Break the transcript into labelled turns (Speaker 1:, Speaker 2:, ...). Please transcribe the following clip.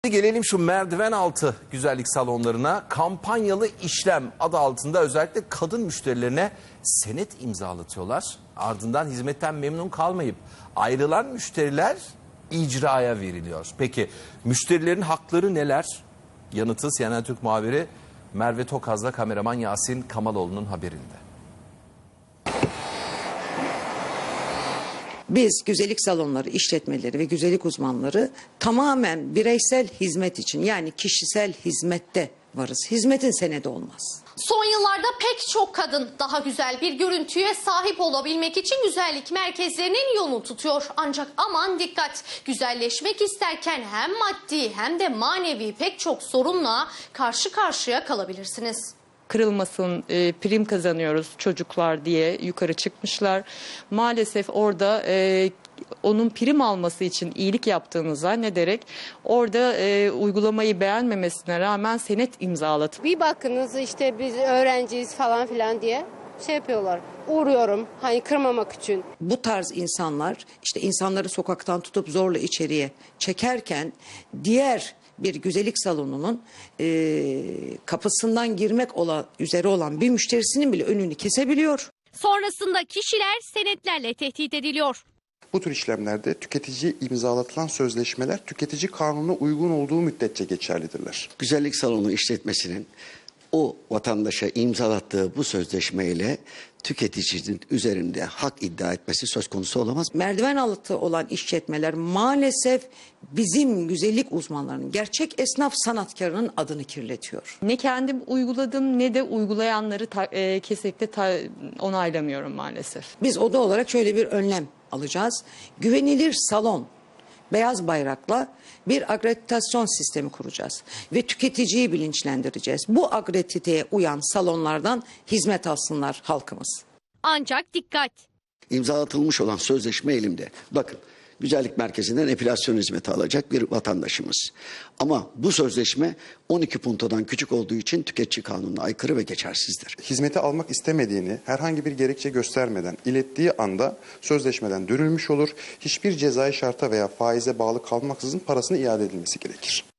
Speaker 1: Gelelim şu merdiven altı güzellik salonlarına. Kampanyalı işlem adı altında özellikle kadın müşterilerine senet imzalatıyorlar. Ardından hizmetten memnun kalmayıp ayrılan müşteriler icraya veriliyor. Peki müşterilerin hakları neler? Yanıtı CNN Türk muhabiri Merve Tokaz'la kameraman Yasin Kamaloğlu'nun haberinde.
Speaker 2: Biz güzellik salonları, işletmeleri ve güzellik uzmanları tamamen bireysel hizmet için, yani kişisel hizmette varız. Hizmetin senedi olmaz.
Speaker 3: Son yıllarda pek çok kadın daha güzel bir görüntüye sahip olabilmek için güzellik merkezlerinin yolunu tutuyor. Ancak aman dikkat, güzelleşmek isterken hem maddi hem de manevi pek çok sorunla karşı karşıya kalabilirsiniz.
Speaker 4: Kırılmasın, prim kazanıyoruz çocuklar diye yukarı çıkmışlar. Maalesef orada onun prim alması için iyilik yaptığını zannederek orada uygulamayı beğenmemesine rağmen senet imzalatıp.
Speaker 5: Bir bakınız işte biz öğrenciyiz falan filan diye şey yapıyorlar. Uğruyorum hani kırmamak için.
Speaker 2: Bu tarz insanlar işte insanları sokaktan tutup zorla içeriye çekerken diğer bir güzellik salonunun kapısından girmek üzere olan bir müşterisinin bile önünü kesebiliyor.
Speaker 3: Sonrasında kişiler senetlerle tehdit ediliyor.
Speaker 6: Bu tür işlemlerde tüketiciye imzalatılan sözleşmeler tüketici kanununa uygun olduğu müddetçe geçerlidirler.
Speaker 7: Güzellik salonu işletmesinin o vatandaşa imzalattığı bu sözleşmeyle tüketicinin üzerinde hak iddia etmesi söz konusu olamaz.
Speaker 2: Merdiven altı olan işletmeler maalesef bizim güzellik uzmanlarının, gerçek esnaf sanatkarının adını kirletiyor.
Speaker 4: Ne kendim uyguladım ne de uygulayanları kesinlikle onaylamıyorum maalesef.
Speaker 2: Biz oda olarak şöyle bir önlem alacağız. Güvenilir salon, beyaz bayrakla bir akreditasyon sistemi kuracağız ve tüketiciyi bilinçlendireceğiz. Bu akrediteye uyan salonlardan hizmet alsınlar halkımız.
Speaker 3: Ancak dikkat!
Speaker 7: İmzalatılmış olan sözleşme elimde. Bakın, güzellik merkezinden epilasyon hizmeti alacak bir vatandaşımız. Ama bu sözleşme 12 puntodan küçük olduğu için tüketici kanununa aykırı ve geçersizdir.
Speaker 6: Hizmeti almak istemediğini herhangi bir gerekçe göstermeden ilettiği anda sözleşmeden dönülmüş olur. Hiçbir cezai şarta veya faize bağlı kalmaksızın parasını iade edilmesi gerekir.